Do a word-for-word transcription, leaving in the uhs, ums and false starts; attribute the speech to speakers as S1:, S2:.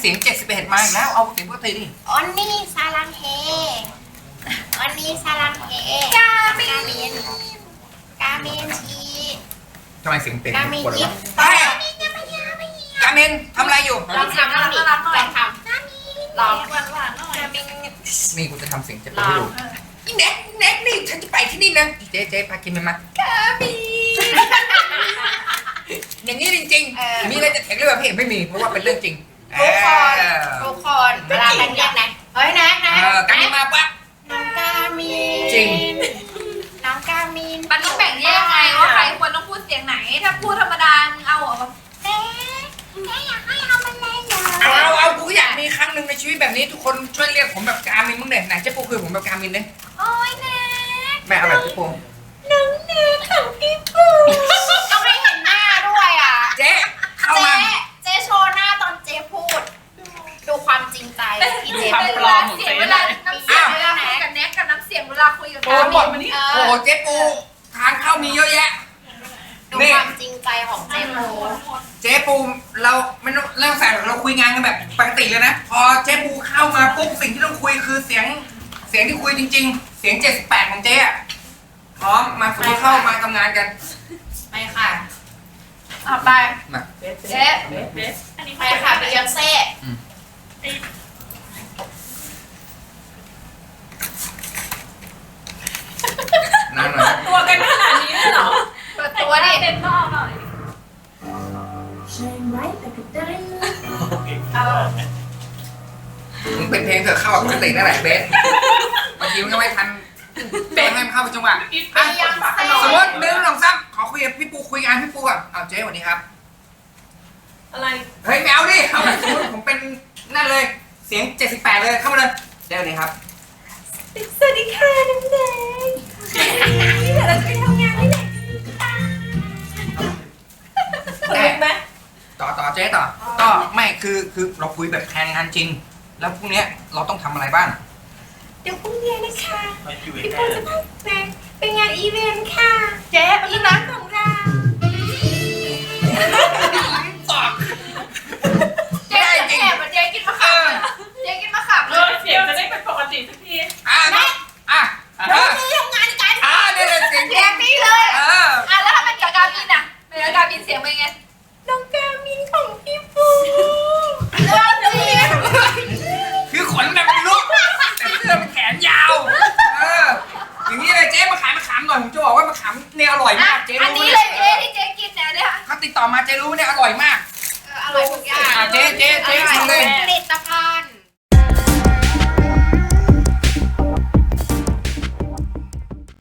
S1: สียงเจ็ดสิบเอ็ดมาอีกแล้วเอาเสียงปกติดิ
S2: ออนนี่ซาลังเฮออนนี่ซาลังเฮกาเมนกาเมนชี
S1: ทำไมเสียงเต็ม
S2: กาเมน
S1: คน
S2: ยิ
S1: ละ
S2: ป
S1: ไปกาเมนทำอะไรอยู่
S2: ลองทำลองทำลองทำลองหวานหวานหน่อย
S1: นี่กูจะทำเสียงเจ็บปวดให้ดูอีแน็กแน็กนี่ฉันจะไปที่นี่นะเจ๊เจ๊พากินมันมากาเมนอย่างนี้จริงๆมีอะไรจะเถียงเรื่องแบบพี่ไม่มีเพราะว่าเป็นเรื่องจริง
S2: ทุกคนทุกคนเวลาเป็นเรียกนะเฮ้ยนะนะ
S1: เออกาเมนมาปะ
S2: น้องกามิน
S1: จริง
S2: น้องกามิน
S3: มันต้องแบ่งแยกไงว่าใครควรต้องพูดเสียงไหนถ้าพูดธรรมดามึงเอาออกมา
S2: เอ๊ะแม่อยากให้เอามันเลยเหรอ
S1: เอาเอาเอากูอยากมีครั้งหนึ่งในชีวิตแบบนี้ทุกคนช่วยเรียกผมแบบกามินมึงเด่นไหนเจ๊ปูคือผมแบบกามินเนี่ย
S2: โอ้ยนะ
S1: แม่เอาแบบเจ๊ปู
S2: น้องเนยของพี่ปูต้องให้เห็นหน้าด้วยอ่ะ
S1: เจ๊เข้า
S2: เจ๊
S1: มา
S2: เจ๊โชว์หน้าตอนเจ๊พูด ดูความจริงใจที่เจ๊
S3: เป็นเวลาเสียงเวลาน้ำเสียงเวลาคุยกับแน็กกับน้ำเสียงเวลาคุยกับ
S1: โอ้หมด
S3: มันนี่
S2: เอ
S1: โอ้
S2: อ
S1: เจ๊ปูทางเข้ามีเยอะแยะ
S2: ดูความจริงใจของเจ๊ปู
S1: เจ๊ปูเราไม่ต้องเรื่องใส่เราคุยงานกันแบบปกติเลยนะ พอเจ๊ปูเข้ามาปุ๊บสิ่งที่ต้องคุยคือเสียงเสียงที่คุยจริง ๆ เสียงเจ็ดสิบแปดของเจ๊อะพร้อมมาสมมติเข้ามาทำงานกัน
S2: ไปค่ะ
S3: อ่ะไป
S1: มา
S3: เจ๊
S2: ไปค่ะบิยอนเซ่
S1: นานหน่อยนะ
S3: ตัวกันขนาดนี้เลยเหรอเปิดตัวดิเต็มนอกหน่อย
S1: มึงเป็นเพลงเถอะเข้ากับปกตินั่นแหละเบสบางทีมันก็ไม่ทันเบสให้มันเข้าไปจังหวะ
S2: บิ
S1: อ่ะ
S2: ยอนเซ่
S1: สมมติหนึ่งสองสามขอคุยกับพี่ปูคุยงานพี่ปูก่อนเอาเจ๊สวัสดีครับ
S3: อะไร
S1: เฮ้ยแมวดิเอาสมมติผมเป็นนั่นเลยเสียงเจ็ดสิบแปดเลยเข้ามาเลยเจ๊สวัสดีครับ
S3: สวัสดีค่ะน้ำแดงเดี๋ยวเราจะไปทำงานที่ไหนคนลุกไหม
S1: ต่อต่อเจ๊ต่อก็ไม่คือคือเราคุยแบบแทนงานจริง แล้วพรุ่งเนี้ยเราต้องทำอะไรบ้าง
S2: เดี๋ยวพรุ่งนี้นะคะพี่ปูจะพาแม่ไปงานอีเวนต์ค่ะ
S3: เจ๊เป็น
S2: อี
S3: เรื่อง
S2: เวนต์ของเรา
S1: ตอบ
S3: เจ๊จะแอบเจ๊กินมะขามเจ๊กินมะขาม
S4: เออเสียงจะได้เป็นปกติสักที
S1: อ่ะนะอ่ะ
S2: เรา
S1: อ่ะ
S2: ไปทำงานกัน
S1: อ่ะเนี่ยเนี่ยเสียง
S3: เสียงนี้เลย
S1: เออ
S3: อ่ะแล้วถ้าเป็นกับกาบินอ่ะเป็นกับกาบินเสียงเป็นไง
S2: น้องกามินของพี่ปู
S3: เรื่องจริง
S1: คือขนแบบเป็นลูกแต่เสื้อเป็นแขนยาวเอออย่างนี้เลยเจ๊มาขายมะขามหน่อยผมจะบอกว่ามะขามเนี่ยอร่อย
S3: อ่ะ
S1: มากเจ๊
S3: อัน
S1: รู้
S3: นี้
S1: เนี่
S3: เลย ยเจ๊ที่เจ๊กินเนี่ยเนี่ย
S1: เขาติดต่อมาเจ๊รู้เนี่ยอร่อยมาก
S3: อร่อยทุกอย่าง
S1: อ่ะเจ๊เจ๊